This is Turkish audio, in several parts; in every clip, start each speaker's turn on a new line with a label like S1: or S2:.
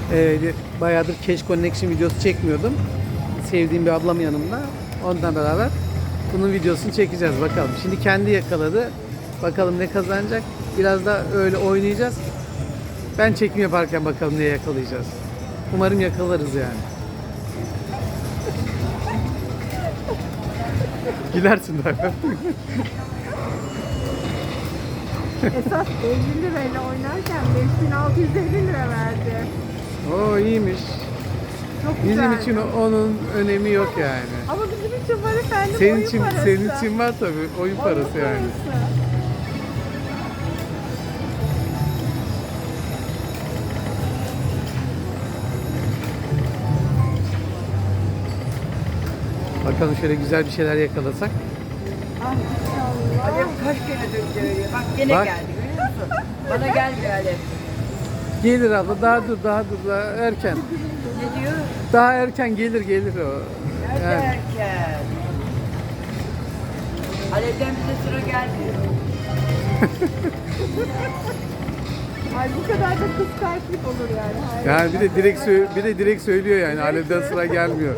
S1: Bayağıdır Cash Connection videosu çekmiyordum. Sevdiğim bir ablam yanımda. Ondan beraber bunun videosunu çekeceğiz bakalım. Şimdi kendi yakaladı. Bakalım ne kazanacak. Biraz da öyle oynayacağız. Ben çekim yaparken bakalım ne yakalayacağız. Umarım yakalarız yani. Gülersin bak.
S2: Esas 50 lirayla oynarken 5650 lira verdi.
S1: Oo iyiymiş.
S2: Çok
S1: Bizim
S2: güzeldi.
S1: için onun önemi yok yani.
S2: Ama bizim için var efendim,
S1: Senin
S2: oyun
S1: için
S2: parası.
S1: senin için var tabii oyun parası yani.
S2: Parası.
S1: Bakalım şöyle güzel bir şeyler yakalasak.
S2: Ah inşallah.
S3: Alev kaç kere döndürüyor. Bak gene
S1: Bak.
S3: geldi görüyor musun? Bana gelmiyor Alev.
S1: Gelir abla daha dur daha erken.
S3: Ne diyor?
S1: Daha erken gelir o.
S3: Nerede
S1: Yani.
S3: erken? Alev'den bize sıra gelmiyor.
S2: Ay bu kadar da kıskançlık olur yani. Hayır.
S1: Yani bir de direkt söylüyor yani Alev'den sıra gelmiyor.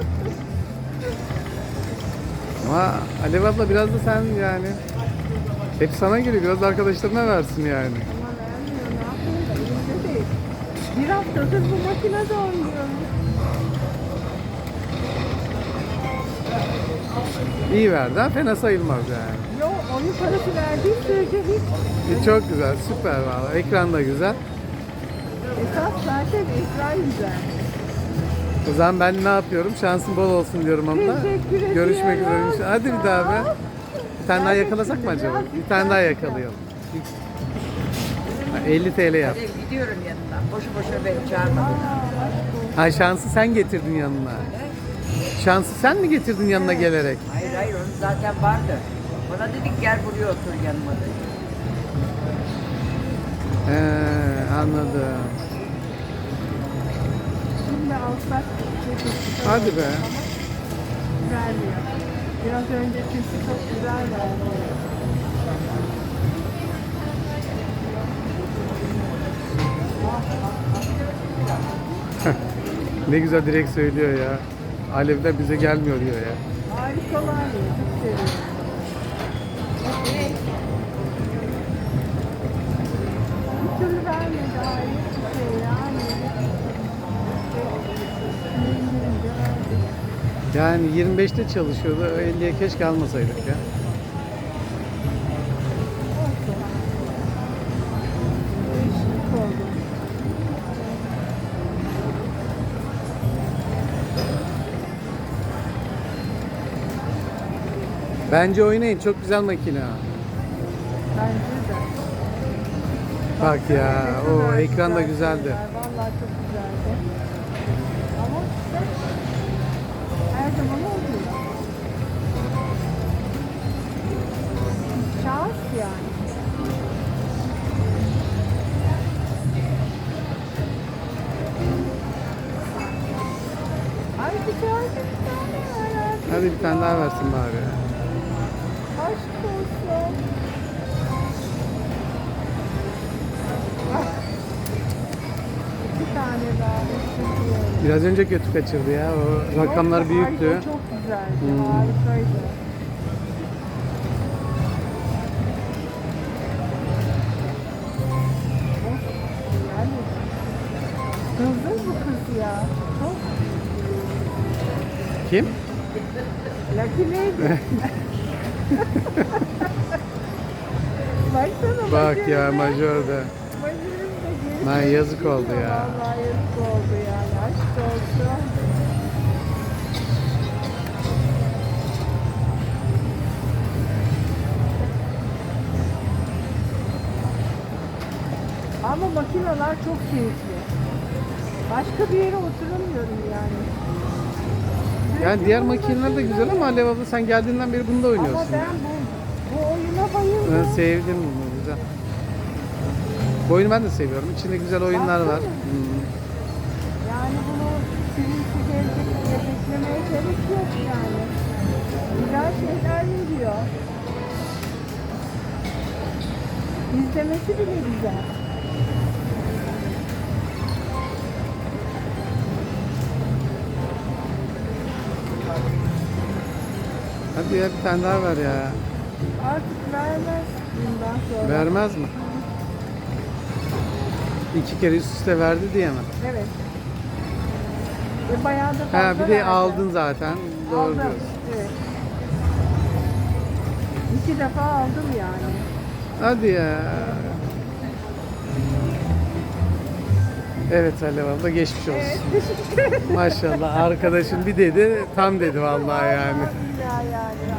S1: Ama Alev abla biraz da sen yani hep sana geliyor biraz da arkadaşlarına versin yani.
S2: Ama vermiyor, ne yapayım da elimde değil. Bir haftadır bu makinede oynuyorum.
S1: İyi verdi ha fena sayılmaz yani.
S2: Yo, oyun parası verdiği sürece hiç.
S1: Çok güzel süper valla ekran da güzel.
S2: Esas zaten ekran güzel.
S1: O zaman ben ne yapıyorum? Şansın bol olsun diyorum abla.
S2: Teşekkür ederim.
S1: Görüşmek üzere. Hadi bir daha be. Bir tane daha yakalasak mı acaba? Bir tane daha yakalayalım. 50 TL yap.
S3: Alev gidiyorum yanına. Boşu boşuna beni çağırmadın.
S1: Ha şansı sen getirdin yanına. Şansı sen mi getirdin yanına gelerek?
S3: Hayır hayır onun zaten vardı. Bana dedik gel buraya otur yanıma dedi.
S1: Anladım.
S2: Şimdi alsak
S1: Hadi be.
S2: vermiyor. Biraz önce çünkü çok güzel verdi.
S1: Ne güzel direkt söylüyor ya. Alev'den bize gelmiyor diyor ya.
S2: Harikalar ya, çok seviyorum. Bir türlü vermedi, hayır bir şey yani.
S1: Yani 25'te çalışıyordu. 50'ye keşke almasaydık ya.
S2: Değişiklik oldu.
S1: Bence oynayın. Çok güzel makine.
S2: Bence de.
S1: Bak ya.
S2: Ne
S1: O
S2: kadar
S1: ekran da
S2: güzel
S1: güzeldi.
S2: şeyler, vallahi çok güzeldi. Ama işte her zaman olmuyor. Şans yani. Ay güzel bir tane var.
S1: Hadi bir tane daha versin bari.
S2: Aşk olsun. Ah. Bir tane daha istiyorum.
S1: Biraz önce kötü kaçırdı ya. O rakamlar büyüktü.
S2: Harika, çok güzeldi. Harikaydı. Of, yani hızlı bu kız ya. Çok
S1: Kim?
S2: Lucky Lady. Baksana
S1: Bak
S2: Majör'de.
S1: ya majörde.
S2: Majör'ün de
S1: Lan yazık oldu ya.
S2: Vallahi yazık oldu yani. Aşk olsun. Ama makineler çok keyifli. Başka bir yere oturamıyorum yani.
S1: Yani diğer makineler de güzel ama Alev abla sen geldiğinden beri bunda
S2: Ama
S1: oynuyorsun.
S2: ben
S1: ya.
S2: bu oyuna bayıldım.
S1: Ben sevdim bunu güzel. Bu oyunu ben de seviyorum. İçinde güzel oyunlar var.
S2: Baksana. Yani bunu silinti gelecek diye beklemeye gerek yok yani. Güzel şeyler veriyor. İzlemesi bile güzel.
S1: Hadi ya bir tane daha ver ya.
S2: Artık vermez bundan sonra.
S1: Vermez mi? 2 kere üst üste verdi diye mi?
S2: Evet. Bayağı da fazla
S1: Ha bir de
S2: verdi.
S1: aldın zaten. Doğru
S2: Aldım.
S1: diyorsun.
S2: Evet. 2 defa aldım yani.
S1: Hadi ya. Evet Alev abla geçmiş olsun.
S2: Evet, teşekkür ederim.
S1: Maşallah arkadaşım bir dedi tam dedi vallahi yani.
S2: Vallahi billahi yani.